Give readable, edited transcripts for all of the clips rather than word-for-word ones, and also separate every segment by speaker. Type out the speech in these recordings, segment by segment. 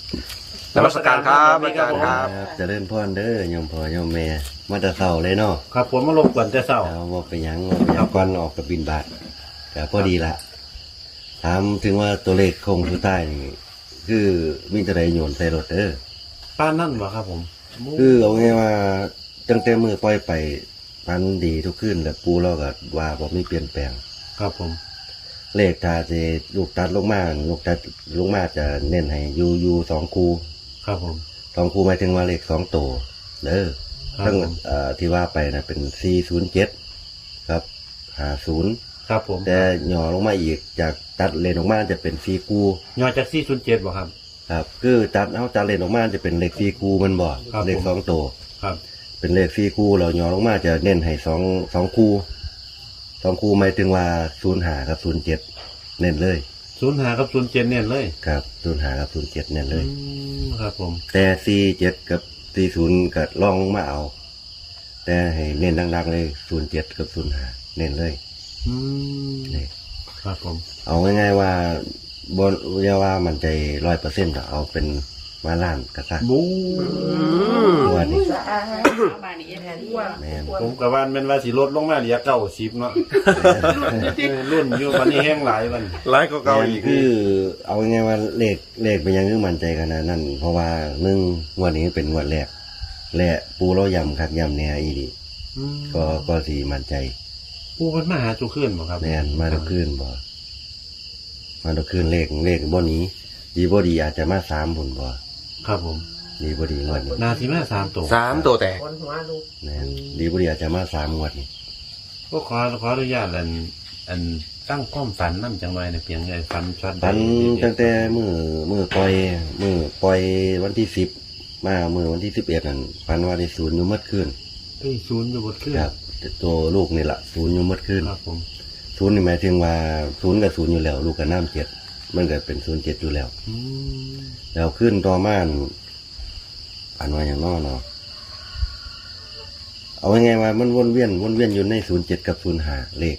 Speaker 1: นมัสการครับอาจารย์ครับ
Speaker 2: เจะเล่นพ่อนเด้อโยมพ่อโยมแม่มาแต่เช้าเลยเนาะ
Speaker 3: ครับผมมาลบกวนแต่เช้า
Speaker 2: เอาว่าไปหยังก่อนออกกับบินบาทแต่พอดีละถามถึงว่าตัวเลขคงสุดท้ายนี่คือมีแต่ใดโยนใส่รถเด้อ
Speaker 3: ป้านนั่นบ่ครับผม
Speaker 2: คือเอาไงว่าตั้งแต่มือปล่อยไปพันดีทุกขึ้นแต่ปูเราก็ว่าบ่มีเปลี่ยนแปลง
Speaker 3: ครับผม
Speaker 2: เลขถ้าจะลูกตัดลงมาลูกตัดลงมาจะเน้นให้อยู่สองคู
Speaker 3: ครับผม
Speaker 2: สองคูหมายถึงว่าเลขสองตัวเด้อ
Speaker 3: ครับ
Speaker 2: ทั้ง
Speaker 3: ผม
Speaker 2: ที่ว่าไปนะเป็น407ครับ50
Speaker 3: ครับผม
Speaker 2: แต่หย่อลงมาอีกจากตัดเลนออกมาจะเป็น4คู
Speaker 3: ยอจาก407บ่ครับ
Speaker 2: ครับคือตัดเลนออกมาจะเป็นเลข4คูมันบ่
Speaker 3: ครับ
Speaker 2: เลข
Speaker 3: ผม
Speaker 2: สองตัว
Speaker 3: ครับ
Speaker 2: เป็นเลข4คูเราหย่อลงมาจะเน้นให้2คู2คูหมายถึงว่า05กับ07เน้นเลย
Speaker 3: 05กับ07เนี่ยเลย
Speaker 2: ครับ05กับ07เน้นเลย
Speaker 3: ครับผม
Speaker 2: แต่47กับ40ก็ลองลงมาเอา แต่ให้เน้นดังๆเลย07กับ05เน้นเลย
Speaker 3: อืม
Speaker 2: นี่
Speaker 3: ครับผม
Speaker 2: เอาง่ายๆว่าบนอย่าว่ามันใจ 100% ก็เอาเป็นมาล้านก็ซะ
Speaker 3: บู
Speaker 2: ตัวนี้
Speaker 4: บ้านนี้แทนที่ว่า
Speaker 2: แม่น
Speaker 3: ผมก็ว่ามันว่าสิลดลงมาเหลือ90เนาะรุ่นอยู่วันนี้แห้งหลายวัน
Speaker 1: ไล่ก็เก่าอีก
Speaker 2: คือเอาง่ายๆว่าเลขเป็นยังคือมั่นใจขนาดนั้นเพราะว่า1งวดนี้เป็นงวดแรกและปูเราย่ำคักย่ำแหน่อีดีก็สิมั่นใจ
Speaker 3: ผู้มันมาหาจุขึ้นบ่ครับ
Speaker 2: แม่นมาทุกคืนบ่มาทุกคืนเลขบ่หนี้ดีบ่ดีอาจจะมา3พุ่นบ่
Speaker 3: ครับผม
Speaker 2: ดีบ่ดีงวดนี้
Speaker 3: นาสิมา3ตัว
Speaker 1: 3 ตัวแตก
Speaker 4: คนหัวลูก
Speaker 2: แม่นดีบ่ดีอาจจะมา3งวดนี้
Speaker 3: ก็ขออนุญาตอันตั้งความฝันนำจังไว้ในเพียงไงฝันช็อต
Speaker 2: ปันตั้งแต่มือปล่อยวันที่10มามือวันที่11นั่นปันว่าได้ศูนย์อยู่หมดคืน
Speaker 3: เอ้ยศูนย์อยู่บนขึ้น
Speaker 2: ครับตัวลูกนี่ล่ะศูนย์อยู่หมดคืน
Speaker 3: ครับผม
Speaker 2: ศูนย์นี่หมายถึงว่าศูนย์กับศูนย์อยู่แล้ว ลูกกับน้ำ7มันก็เป็น07อยู่แล้ว
Speaker 3: อืม
Speaker 2: แล้วขึ้นต่อมาปันว่าอย่างน้อเนาะเอาไงายๆว่ามันวนเวียนอยู่ใน07กับ05เลข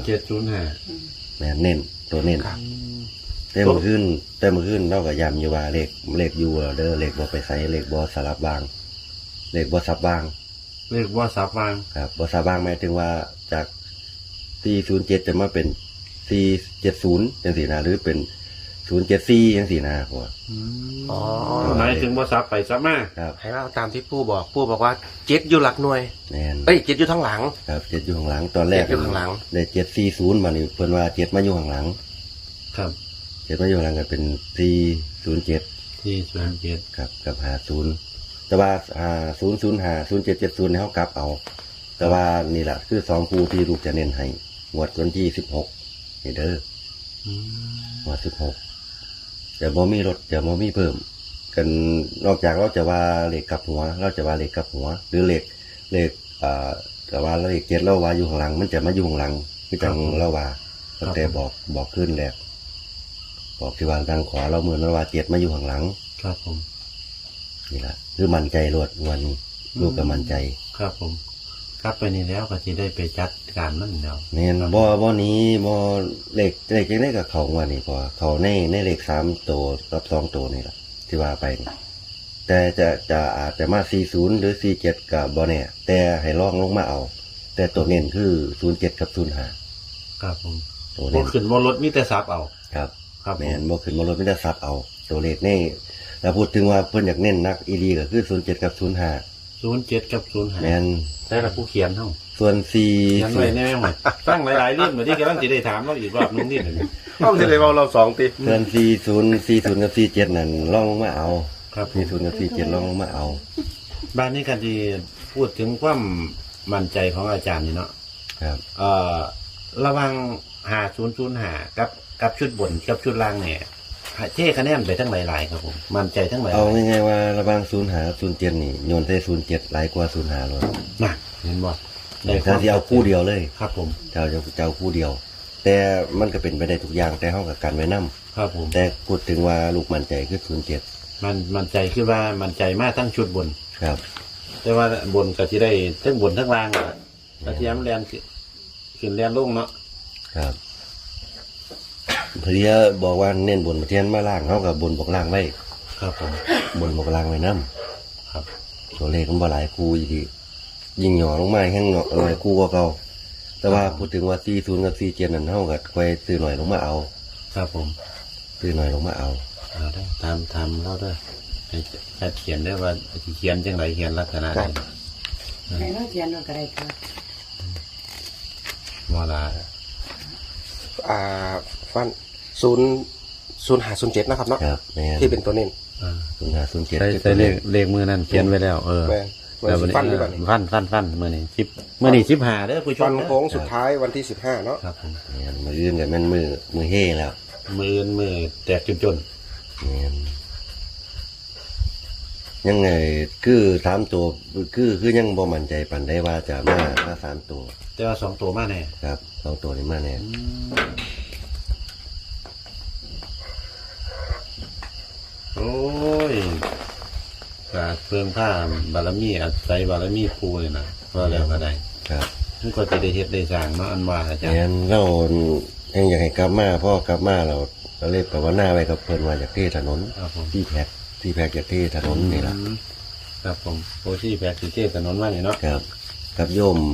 Speaker 3: 0705
Speaker 2: แม่นเน้นตัวเน้น แต่เมื่อคืนเราก็ย้ำอยู่ว่าเลขอยู่เด้อเลขบ่ไปใส่เลขบ่สลับบางเลขบ่ซับบาง
Speaker 3: เลขว่าสับวาง
Speaker 2: ครับบ่ซับบางหมายถึงว่าจาก407จะมาเป็น470จังซี่นะหรือเป็น074จังซี่นะพ่อ
Speaker 1: อ๋อ
Speaker 3: หมายถึงว่าสับไปสับมา
Speaker 2: ครับ
Speaker 1: ให้เราตามที่ปู่บอกว่า7อยู่หลักหน่วย
Speaker 2: แม่น
Speaker 1: เอ้ย7อยู่ทั้งหลัง
Speaker 2: ครับ7อยู่ข้างหลังตอนแรก
Speaker 1: 7อยู่ข้างหลัง
Speaker 2: ได้740มานี่เพิ่นว่า7มาอยู่ข้างหลัง
Speaker 3: ครับ
Speaker 2: 7มาอยู่ข้างหลังก็เป็น407
Speaker 3: ที่07
Speaker 2: ครับกับ50แต่ว่า005 0770ให้เฮากลับเอา แต่ว่านี่แหละคือ2คู่ที่ลูกจะเน้นให้งวดวันที่16นี่เด้อ
Speaker 3: อืม
Speaker 2: งวด16แต่บ่มีลดจะบ่มีเพิ่ม กันนอกจากเราจะว่าเลขกลับหัว เราจะว่าเลขกลับหัว หรือเลขแต่ว่าเลข7เราว่าอยู่ข้างหลัง มันจะมาอยู่ข้างหลังคือจังเราว่าตั้งแต่บอกขึ้นแรกบอกที่ว่าทางขวาเราเหมือนว่า7มาอยู่ข้างหลัง
Speaker 3: ครับผม
Speaker 2: นี่แหละคือมั่นใจรวดวันนี้ลูกก็มั่นใจ
Speaker 3: ครับผมกลับไปนี่แล้วก็จะได้ไปจัดการมันแล้ว
Speaker 2: เนี่ยบ่นี้บ่เลขจังได๋ก็เข้าว่านี่พอเข้าในเลข3ตัวกับ2ตัวนี่ล่ะที่ว่าไปนี่แต่จะอาจจะมา40หรือ47ก็บ่แน่แต่ให้ลองลงมาเอา แต่ตัวเน้นคือ07กับ05
Speaker 3: ครับผม
Speaker 2: ตัว
Speaker 3: บ่
Speaker 2: เน้น
Speaker 3: ขึ้นบ่ลดมีแต่สับเอา
Speaker 2: ครับ
Speaker 3: ครับผ
Speaker 2: แม่
Speaker 3: ม
Speaker 2: นบ่ขึ้นบ่ลดมีแต่ซับเอา ตัวเลขนี่แล้วพูดถึงว่าเพิ่นอยากเน้นนักอีหลีก็คือ07กับ05
Speaker 3: 07กับ05
Speaker 2: แม่น
Speaker 3: ใช่ละผู้เขียนเฮา
Speaker 2: ส่วน
Speaker 3: เขียนไว้แน่หมดตั้งหลายๆเรื่องเหมือนที่กำลังสิได้ถามเราอีกรอบนึงนี่
Speaker 1: ต้องสิได้เว้าเรา2ติ
Speaker 2: ส่วน40กับ47นั่นลองลงมาเอา
Speaker 3: ครับผม
Speaker 2: 40กับ47ลองลงมาเอา
Speaker 3: บ้านนี้กันที่พูดถึงความมั่นใจของอาจารย์นี่เนาะ
Speaker 2: ครับ
Speaker 3: ระหวัง5005กับชุดบนกับชุดล่างเนี่ยเท่คะแนนไปทั้งหลายๆครับผมมั่นใจทั้งหลาย
Speaker 2: เอาง่ายๆว่าระหว่าง05กับ07นี่โยนใส่07หลายกว่า05เลย
Speaker 3: น่ะเห็นบ่ได้
Speaker 2: ถ้าสิเอาคู่เดียวเลย
Speaker 3: ครับผม
Speaker 2: เจ้าคู่เดียว แต่มันก็เป็นไปได้ทุกอย่างแต่เฮาก็กันไว้นํ
Speaker 3: ครับผม
Speaker 2: แต่พูดถึงว่าลูกมั่นใจคือ07
Speaker 3: มั่นใจคือว่ามั่นใจมากทั้งชุดบน
Speaker 2: ครับ
Speaker 3: แต่ว่าบนก็ที่ได้ทั้งบนทั้งล่างอะกระเทียมแลนขึ้นแลนลงเนาะ
Speaker 2: ครับเพลียบอกว่าเน้นบนมาเทียนมาล่างเฮาก็บนบอกล่างไว้
Speaker 3: ครับผม
Speaker 2: บนบกลางไว้น้
Speaker 3: ครับ
Speaker 2: ำตัวเลขมันบ่หลายคู่อีกทียิ่งหย่อลงมาแห้งหน่อยคู่กว่าเก่าแต่ว่าพูดถึงว่า40กับ47นั่นเท่ากับค่อยซื้อหน่อยลงมาเอา
Speaker 3: ครับผม
Speaker 2: ซื้อหน่อยลงมาเอา
Speaker 3: เอาได้ทำเราด้วยให้เขียนได้ว่าสิเขียนจังไรเขียนลักษณะใด
Speaker 4: ให้เราเขียนเราก็ได้ครับ
Speaker 3: เวลา
Speaker 1: ฟัน0507นะครับเนาะ
Speaker 2: ครับแม่น
Speaker 1: ที่เป็นตัวเน้น
Speaker 2: 0507
Speaker 3: ใส่เลขมือนั่นเขียนไว้แล้ว
Speaker 1: แม่น
Speaker 3: แล้ววัน
Speaker 1: ฟันดี
Speaker 3: นี้
Speaker 1: กว่านี้
Speaker 3: ฟันมือนี่15เด้อผู้ช
Speaker 1: ฟั
Speaker 3: ม
Speaker 1: น
Speaker 3: เด้อ
Speaker 1: โค้งสุดท้ายวันที่15เนาะ
Speaker 3: ครับผม
Speaker 2: แม่นมืออื่นกับแม่นมือเฮ่แล้ว
Speaker 3: มือแตกจน
Speaker 2: แม่นยังไงคือ3ตัวคือยังบ่มั่นใจปานได้ว่าจะมา3ตัว
Speaker 3: ๆแต่ว่า2ตัวมาแน่
Speaker 2: ครับ2ตัวนี้มาแน่
Speaker 3: โอ้ยกาเพิ่มผ้าบารมีอาศัยบารมีครูเลยนะว่าแล้วก็ได้
Speaker 2: ครับ
Speaker 3: มันก็จะได้เฮ็ดได้สร้างเนาะอันว่าอาจารย์
Speaker 2: งั้นเรายังอยากให้กลับมาพ่อกลับมาเราเรียกว่าหน้าไว้กับเพิ่นว่าจากที่ถนน
Speaker 3: ครับผม
Speaker 2: ที่แพ็กจากที่ถนนนี่ล่ะ
Speaker 3: ครับผมโอชี่แพกสิเทศถนนว่านี่เนาะ
Speaker 2: ครับกับโยม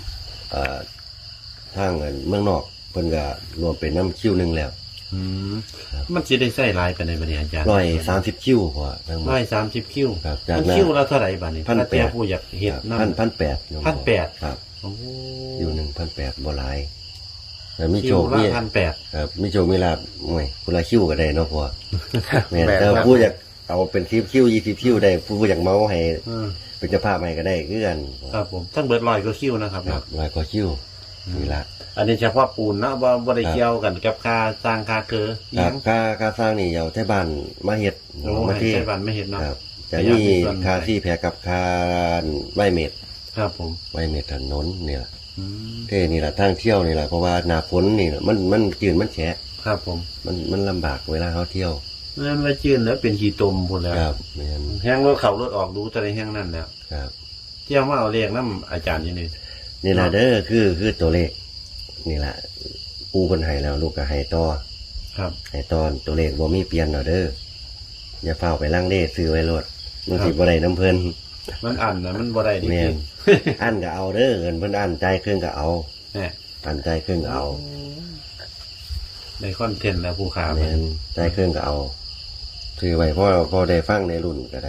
Speaker 2: ทางเมืองนอกเพิ่นก็รวมเป็นน้ำคิวหนึงแล้ว
Speaker 3: มันสิได้ใส่ลายไปในบัดนี้อาจารย์
Speaker 2: 130คิวพอทั้งหมด
Speaker 3: 130คิว
Speaker 2: ครับจาก
Speaker 3: มัน
Speaker 2: นั้น
Speaker 3: คิวละเท่าไหร่บัดนี้
Speaker 2: 1,800
Speaker 3: ถ้าแต่ผู้อยากเฮ็ดนำ
Speaker 2: 1,800
Speaker 3: 1,800
Speaker 2: ครับ
Speaker 3: โอ้
Speaker 2: อยู่1,800บ่หลายแต่มี
Speaker 3: คิ
Speaker 2: โช
Speaker 3: ว
Speaker 2: ค
Speaker 3: ละ
Speaker 2: มี
Speaker 3: 1,800
Speaker 2: ครับมีโชคมีลาภโอ้ยคนละคิวก็ได้เนาะพ่อแม่น
Speaker 1: แม่น
Speaker 2: แต่
Speaker 1: ครับ
Speaker 2: ผู้อยากเอาเป็น10คิว20คิวได้ผู้อยากเมาให้
Speaker 3: อืม
Speaker 2: เป็นเจ้าภาพให้ก็ได้คือกัน
Speaker 3: ครับผมทั้งเบิด100ก็คิวนะครับ
Speaker 2: ครับร้อยกว่าคิวนี่ละ
Speaker 3: อันนี้เฉพาะปูนนะบ่ได้เกี่ยวกันกับค่าสร้างค่าเคืออี
Speaker 2: ค
Speaker 3: ห
Speaker 2: รั
Speaker 3: ยั
Speaker 2: บ
Speaker 3: ง
Speaker 2: ค่าสร้างนี่เอาที่บ้านมาเฮ็ด
Speaker 3: โอ้
Speaker 2: มา
Speaker 3: ให้
Speaker 2: ที่
Speaker 3: ใช้บันไม่เห็นเนาะ
Speaker 2: ครับจะ
Speaker 3: อยาก
Speaker 2: มี
Speaker 3: มีส่วน
Speaker 2: ค่าที่แพรกับค่าไหวเม็ด
Speaker 3: ครับผม
Speaker 2: ไหวเม็ดถนนนี่ล่ะ
Speaker 3: อืม
Speaker 2: เท่นี่ล่ะทางเที่ยวนี่ล่ะเพราะว่าหน้าฝนนี่ล่ะมันจืดมันแฉะ
Speaker 3: ครับผม
Speaker 2: มันลำบากเวลาเขาเที่ยว
Speaker 3: นั่นว่าจืนแล้วเป็นขี้ตมพุ่นแล้ว
Speaker 2: ครับแม่น
Speaker 3: แห้งรถเขารถออกดูแต่ในแห้งนั่นแล้ว
Speaker 2: ครับ
Speaker 3: เที่ยวมาเอาเรียกน้ำอาจารย์อยู่นี่
Speaker 2: นี่ล่ะเด้อคือตัวเลขนี่ล่ะปูเพิ่นให้แล้วลูกก็ให้ต่อ
Speaker 3: ครับ
Speaker 2: ให้ตอนตัวเลขบ่มีเปลี่ยนเอาเด้ออย่าเฝ้าไปลังเลซื้อไว้โลดมันสิบ่ได้น้ำเพิ่น
Speaker 3: มันอันนะมันบ่ได้ดี
Speaker 2: แม่
Speaker 3: จริ
Speaker 2: น
Speaker 3: ง
Speaker 2: อันก็เอาเด้อเงินเพิ่นอันใจายเครื่องก็เอา
Speaker 3: เนี่ย
Speaker 2: อันใจายเครื่องก็เอา
Speaker 3: ในคอนเทนต์แล้วผู้ขา
Speaker 2: แม่นใจายเครื่องก็เอาถือไว้พอได้ฟังในรุ่นก็ได้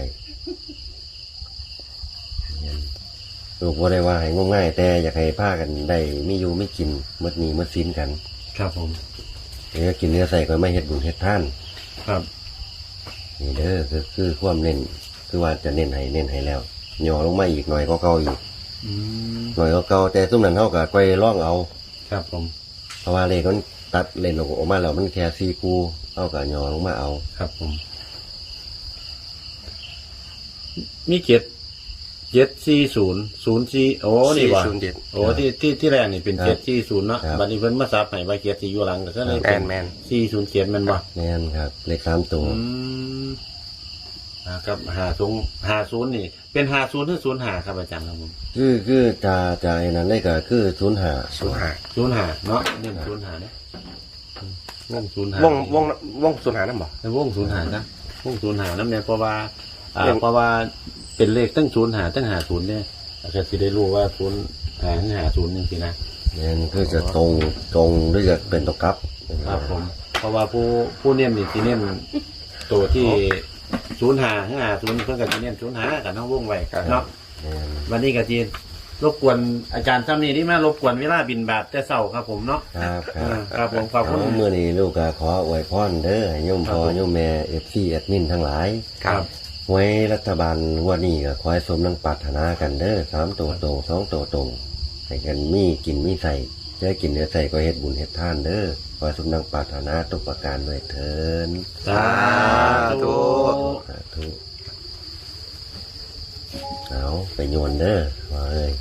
Speaker 2: แม่นลูกบ่ได้ว่าให้งมง่ายแต่อยากให้พากันได้มีอยู่ไม่กินหมดหนี้หมดสินกัน
Speaker 3: ครับผม
Speaker 2: เนื้อกินเนื้อใส่ก็ไม่เฮ็ดบุญเฮ็ดทาน
Speaker 3: ครับ
Speaker 2: นี่เด้อคือความเน้นคือว่าจะเน้นให้แล้วย่อลงมาอีกหน่อยก็เก่าอีก
Speaker 3: อืม
Speaker 2: หน่อยก็เก่าแต่ซุ่มนั้นเฮาก็ค่อยล่องเอา
Speaker 3: ครับผม
Speaker 2: เพราะว่าเลขมันตัดเล่นออกมาแล้วมันแค่4คู่เฮาก็ย่อลงมาเอา
Speaker 3: ครับผม มี74004โอ้นี่ว่ะ
Speaker 1: 407
Speaker 3: โอ้ที่แรกนี่เป็น740เนาะบัดนี้เพิ่นมาซับให้ว่า7สิอยู่หลังก็เลยเป็น
Speaker 1: แมน
Speaker 3: 407แม่นบ่
Speaker 2: แม่นครับเลข3ตัว
Speaker 3: ครับ50นี่เป็น50หรือ05ครับอาจารย์ครับผม
Speaker 2: คือจะไอ้นั้นเลยก็คือ05
Speaker 1: 05
Speaker 3: 05เนาะเน้น05เด้วง05
Speaker 1: วง05นำบ่
Speaker 3: วง05นะวง05นำเนี่ยเพราะว่า
Speaker 1: เรื่อง
Speaker 3: เพราะว่าเป็นเลขตั้ง05ตั้ง50เนี่ยอาจจะสิได้รู้ว่า05หรือ50จังซี่นะ
Speaker 2: แม่นคือจะตรงหรือจะเป็นตกกลับ
Speaker 3: ครับผม เพราะว่าผู้เน้นนี่สิเน้นตัวที่05 50เพิ่นก็สิเน้น05กับน้องวงไว้เนาะ
Speaker 2: แม่น
Speaker 3: วันนี้ก็จีรบกวนอาจารย์ซ้ำนี่ที่มารบกวนเวลาบินบาทแต่เช้าครับผมเนาะ
Speaker 2: ครับค
Speaker 3: ครับผมขอบคุณ
Speaker 2: เอามื้อนี้ลูกก็ขออวยพรเด้อให้โยมพ่อโยมแม่ FC แอดมินทั้งหลาย
Speaker 3: ครับ
Speaker 2: หวยรัฐบาลงวดนี้ก็ขอให้สมดังปรารถนากันเด้อ3ตัวตรง2ตัวตรงให้กันมีกินมีใส่จะกินเนื้อใส่ก็เฮ็ดบุญเฮ็ดทานเด้อขอให้สมดังปรารถนาทุกประการด้วยเถิด
Speaker 3: สาธุ
Speaker 2: สาธุเอาไปโยนเด้อว่าเอ้ย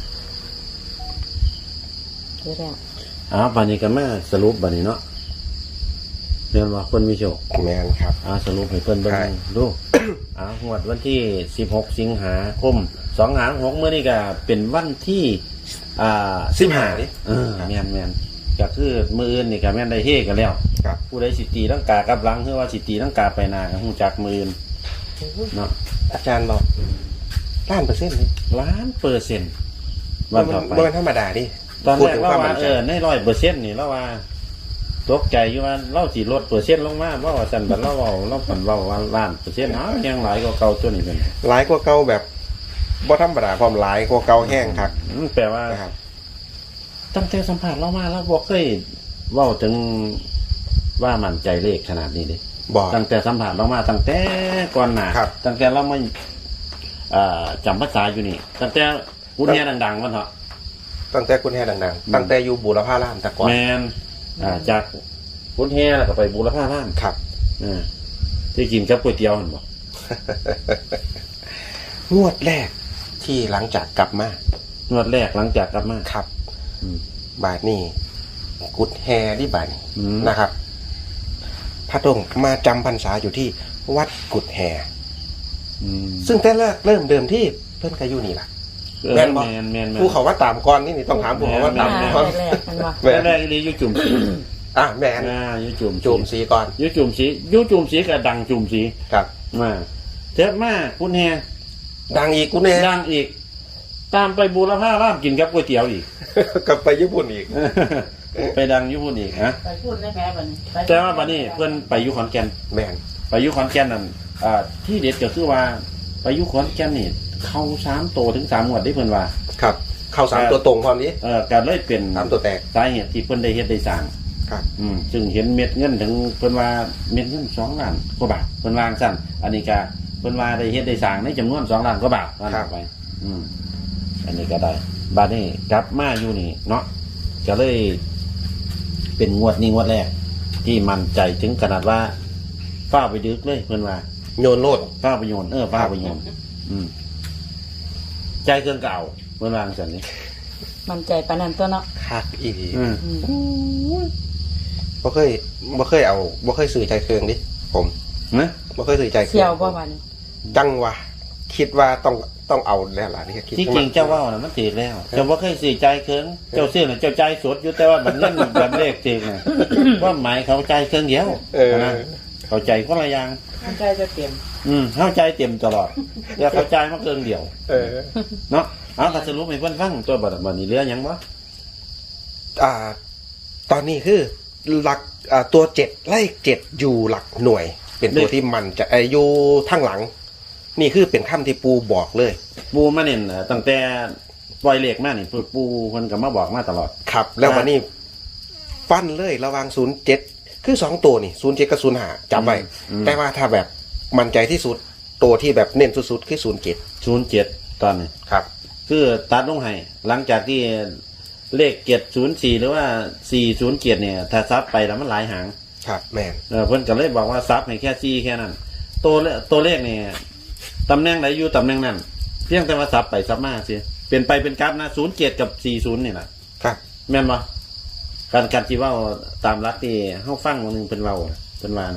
Speaker 4: เดี๋ยวแล้ว
Speaker 3: บัดนี้ก็มาสรุปบัดนี้เนาะเรียนว่าคนมีโชค
Speaker 1: แมนครับ
Speaker 3: สรุปให้เพิ่นเบิ่
Speaker 1: ใช่
Speaker 3: งดูงวดวันที่16สิงหาคม256มื้อนี้ก็เป็นวันที่15นี่แม่นก็คือมื้ออื่นนี่ก็แม่นได้เฮกันแล้ว
Speaker 1: ครับ
Speaker 3: ผู้ใดสิตีลังกากับหลังหรือว่าสิตีลังกาไปหน้าก็ฮู้จักมื้ออื่นเนาะ
Speaker 1: อาจารย์บอก1,000,000%เลย
Speaker 3: 1,000,000%วันต่อไป
Speaker 1: บ่แม่นธรรมดาดิ
Speaker 3: ตอน
Speaker 1: พูด
Speaker 3: แรก
Speaker 1: ถึง
Speaker 3: เรา
Speaker 1: ความ
Speaker 3: ว่า
Speaker 1: มั่นใจ
Speaker 3: ใน100%นี่เราว่าตกใจอยู่ว่าเราสิลดเปอร์เซ็นต์ลงมาเพราะว่าซั่นบัดเราฝันเว้าว่า1,000,000%เนาะยังหลายกว่าเก่าตัวนี้เป็น
Speaker 1: หลายกว่าเก่าแบบบ่ธรรมดาความหลายกว่าเก่าแห้งคัก
Speaker 3: แปลว่า
Speaker 1: นะครับ
Speaker 3: ตั้งแต่สัมผัสเรามาแล้วบ่เคยเว้าถึงว่ามั่นใจเลขขนาดนี้เด้
Speaker 1: บ่
Speaker 3: ตั้งแต่สัมผัสเรามาตั้งแต่ก่อนหน้า
Speaker 1: ครับ
Speaker 3: ตั้งแต่เราไม่จำภาษาอยู่นี่ตั้งแต่พูดแง่ดังๆวันเถอะ
Speaker 1: ตั้งแต่คุณแห่ดังๆตั้งแต่อยู่บูรพารามแต่ก่อน
Speaker 3: แมนจากพูดแง่แล้วก็ไปบูรพาร่าม
Speaker 1: ครับ
Speaker 3: ที่กินกับก๋วยเตี๋ยวเห็นบ่
Speaker 1: งวดแรกที่หลังจากกลับมาน
Speaker 3: วดแรกหลังจากกลับมา
Speaker 1: ครับ
Speaker 3: อืม
Speaker 1: บาทนี่กุดแฮที่บาทนี่
Speaker 3: อืม
Speaker 1: นะครับพระดงมาจำพรรษาอยู่ที่วัดกุดแฮ
Speaker 3: อืม
Speaker 1: ซึ่งแต่แรกเริ่มเดิมที่เพิ่นก็อยู่นี่ล่ะ แม่นบ่
Speaker 3: แมน
Speaker 1: ผู้เขาว่าตามก่อนนี่ต้องถามผู้เขาว่าตามก่อน
Speaker 4: แรกๆมันว่า
Speaker 1: แม่น
Speaker 3: แรกๆนี่ยุจุ่มสี
Speaker 1: แมน
Speaker 3: ยุจุ่ม
Speaker 1: จูมสีก่อน
Speaker 3: ยุจุ่มสียุจุ่มสีกับดังจุ่มสี
Speaker 1: ครับ
Speaker 3: มาเจ็บมากพูดแง่
Speaker 1: ดังอีกกุดแฮ
Speaker 3: ดังอีก ตามไปบูรพาร่ามกินกับก๋วยเตี๋ยวอีก
Speaker 1: กลับไปญี่ปุ่นอีก
Speaker 3: ไปดังอยุพุ่นอีกฮะ
Speaker 4: ไปพูดได้แม่บัดนี้ไป
Speaker 3: แต่ว่าบัดนี้เพื่อนไปอยุขอนแก่น
Speaker 1: แมน
Speaker 3: ไปอยุขอนแก่นนั่นที่เด็ดก็คือว่าไปอยุขอนแก่นนี่เข้า3 โตถึง3 งวดได้เพื่อนว่า
Speaker 1: ครับ เข้า3 ตัวตรงความนี้
Speaker 3: การเลยเป็น
Speaker 1: 3 ตัวแตก
Speaker 3: สาเหตุที่เพื่อนได้เฮ็ดได้สร้าง
Speaker 1: ครับ
Speaker 3: ซึ่งเห็นเม็ดเงินถึงเพื่อนว่าเม็ดเงิน2 ล้านกว่าบาทเพื่อนวางสั้นอันนี้ก็เพื่อนว่าได้เฮ็ดได้สร้างในจำนวน2 ล้านกว่าบาทว่านั่นไป อันนี้ก็ได้บาดนี้กลับมาอยู่นี่เนาะก็เลยเป็นงวดนี้งวดแรก ที่มั่นใจถึงขนาดว่าฟ้าไปดึกเลยเพื่อนว่า
Speaker 1: โยนโลด
Speaker 3: ฟ้าไปโยนฟ้าไปโยนใจเครื่องเก่าเพื่อนวาจังสันนี้
Speaker 4: มันใจปานนั้นตัวเนาะ
Speaker 1: คักอีดี
Speaker 3: อืม
Speaker 1: บ่เคยบ่เคยสื่อใจเครื่องดิผม
Speaker 3: นะ
Speaker 1: บ่เคยสื่อใจเครื่
Speaker 4: เสี่ยวบ่บัดนี้
Speaker 1: จังวะคิดว่าต้องเอาแล้วล่ะนี่คิด
Speaker 3: ที่จริงเจ้าว่าน่ะมันตีแล้วเจ้าว่าเคยสื่อใจเครื่องเจ้าซื้อน่ะเจ้าใจสดอยู่แต่ว่ามันเงินแบบเลขจริงน่ะว่าหมายเขาใจเครื่องเดียวนะเข้าใจคนละอย่าง
Speaker 4: มันใจจะเตรียม
Speaker 3: เข้าใจเต็มตลอดอย่าเข้าใจมาเครื่องเดียว
Speaker 1: เออ
Speaker 3: เนาะเอาก็สรุปให้เพื่อนฟังตัวบัดนี้เหลือหยังบ่
Speaker 1: ตอนนี้คือหลักตัว7เลข7อยู่หลักหน่วย เป็นตัวที่มันจะอยู่ทั้งหลัง นี่คือเป็นคำที่ปูบอกเลย
Speaker 3: ปูมาเน้นตั้งแต่ปล่อยเลขมานี่ปูเพิ่นก็มาบอกมาตลอด
Speaker 1: ครับ แล้ววันนี้ฟันเลยระหวัง07คือ2ตัวนี่07กับ05จำไว้แต่ว่าถ้าแบบมั่นใจที่สุดตัวที่แบบเน้นสุดๆคือ07
Speaker 3: 07ตอนนี้
Speaker 1: ครับ
Speaker 3: คือตัดลงให้หลังจากที่เลข704หรือว่า407เนี่ยถ้าซับไปแล้วมันหลายหาง
Speaker 1: ครับแมน
Speaker 3: เพิ่นก็เลยบอกว่าซับให้แค่4แค่นั้นตัวเลขนี่ตำแหน่งไหนอยู่ตำแหน่งนั้นเพียงแต่ว่าซับไปซับมาสิเป็นไปเป็นกราฟนะ07กับ40นี่ล่ะ
Speaker 1: ครับ
Speaker 3: แม่นบ่การที่เว้าตามรักที่เฮาฟังวันนึงเพิ่นเว้าเพิ่นว่า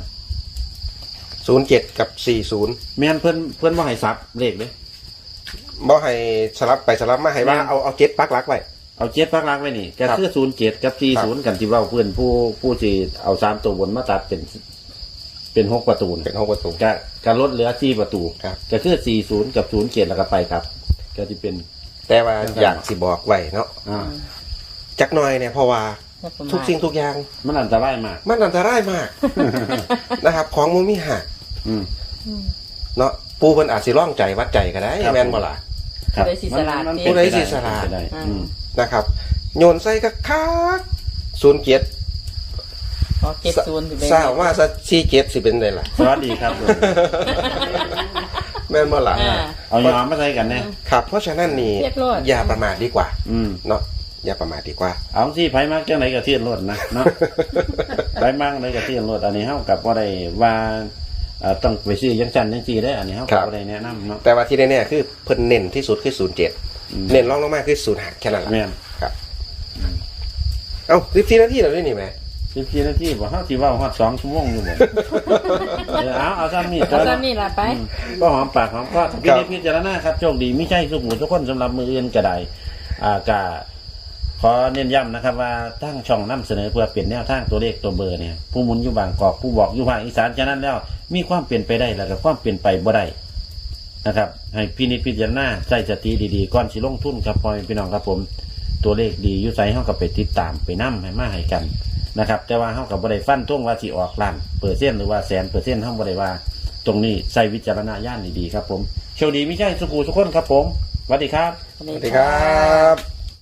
Speaker 1: 07กับ40
Speaker 3: แม่นเพิ่นบ่ให้ซับเลขเด้
Speaker 1: บ่ให้สลับไปสลับมาให้ว่าเอา7ปักหลักไว้
Speaker 3: เอา7ปักหลักไว้นี่ก็คือ07กับ40กันที่เว้าเพิ่นผู้สิเอา3ตัวบนมาตัดเป็น6ประตู
Speaker 1: เป็น6ประตู
Speaker 3: ก็ลดเหลือ4ประตู
Speaker 1: ครับ
Speaker 3: ก็คือ40กับ07แล้วก็ไปครับ ก็สิเป็น
Speaker 1: แต่ว่าอยากสิบอกไว้เนาะ จักหน่อยเนี่ยเพราะว่าทุกสิ่งทุกอย่าง
Speaker 3: มันอันตรายมาก
Speaker 1: มันอันตรายมาก นะครับ ของมันมีหัก
Speaker 3: อืม
Speaker 1: เนาะปูเพิ่นอาจสิร่องใจวัดใจก็ได้
Speaker 3: ครับ
Speaker 1: แม่นบ่ล่ะ
Speaker 3: ครับ
Speaker 4: ผู้ใดสิสลาด
Speaker 3: มัน
Speaker 4: นี่
Speaker 3: เป็น
Speaker 1: ผู้ใดสิสลาด
Speaker 3: เป็นไปได้อืม
Speaker 1: นะครับโยนใส่ก็คัก07
Speaker 4: ขอ70สิไป
Speaker 1: ทราบว่าซะ47สิเป็นไดล่ะ
Speaker 3: สวัสดีครับ
Speaker 1: แม่นบ่ล่ะ
Speaker 3: เอายอมมาใส่กันเนี่ย
Speaker 1: ครับ เพราะฉะนั้นนี่
Speaker 4: เรียกโลด
Speaker 1: อย่าประมาทดีกว่า
Speaker 3: อืม
Speaker 1: เนาะอย่าประมาทดีกว่า
Speaker 3: เอาสิไผมากจังไหนก็เทียนรถนะเนาะ ไผมากไหนก็เทียนรถอันนี้เฮากับบ่ได้ว่าต้องไปซื้อจังซั่นจังซี่ได้อันนี้เฮาก็บ่ได้แนะนำเนาะ
Speaker 1: แต่ว่าที่แน่ๆคือเพิ่นเน้นที่สุดคือ07เน้นรองลงมาคือ05แค่นั้นล่ะ
Speaker 3: แม่น
Speaker 1: ครับเอ้า14นาทีแล้วนี่แหม
Speaker 3: 14นาทีบ่เฮาสิเว้าฮอด2ชั่วโมงอยู่บ่ เอาซ้ำนี่
Speaker 4: เอาซะนี่ล่ะไป
Speaker 3: ก็หอมปากหอมคอพิจารณาครับโชคดีไม่ใช่สุขหมูทุกคนสำหรับมืออื่นก็ได้ก็ขอเน้นย้ำนะครับว่าตั้งช่องนำเสนอเพื่อเปลี่ยนแนวทางตัวเลขตัวเบอร์เนี่ยผู้หมุนอยู่บางกอกผู้บอกอยู่ภาคอีสานฉะนั้นแล้วมีความเปลี่ยนไปได้แล้วก็ความเปลี่ยนไปบ่ได้นะครับให้พินิจพิจารณาใจสติดีๆก่อนสิลงทุนครับพ่อแม่พี่น้องครับผมตัวเลขดีอยู่ไสเฮาก็ไปติดตามไปนำให้มาให้กันนะครับแต่ว่าเฮาก็บ่ได้ฟันธงว่าสิออกล้านเปอร์เซ็นต์หรือว่าแสนเปอร์เซ็นต์เฮาบ่ได้ว่าตรงนี้ใส่วิจารณญาณดีๆครับผมโชคดีไม่ใช่สุขุสุขคนครับผมสวัสดีครับ
Speaker 1: สวัสดีครับ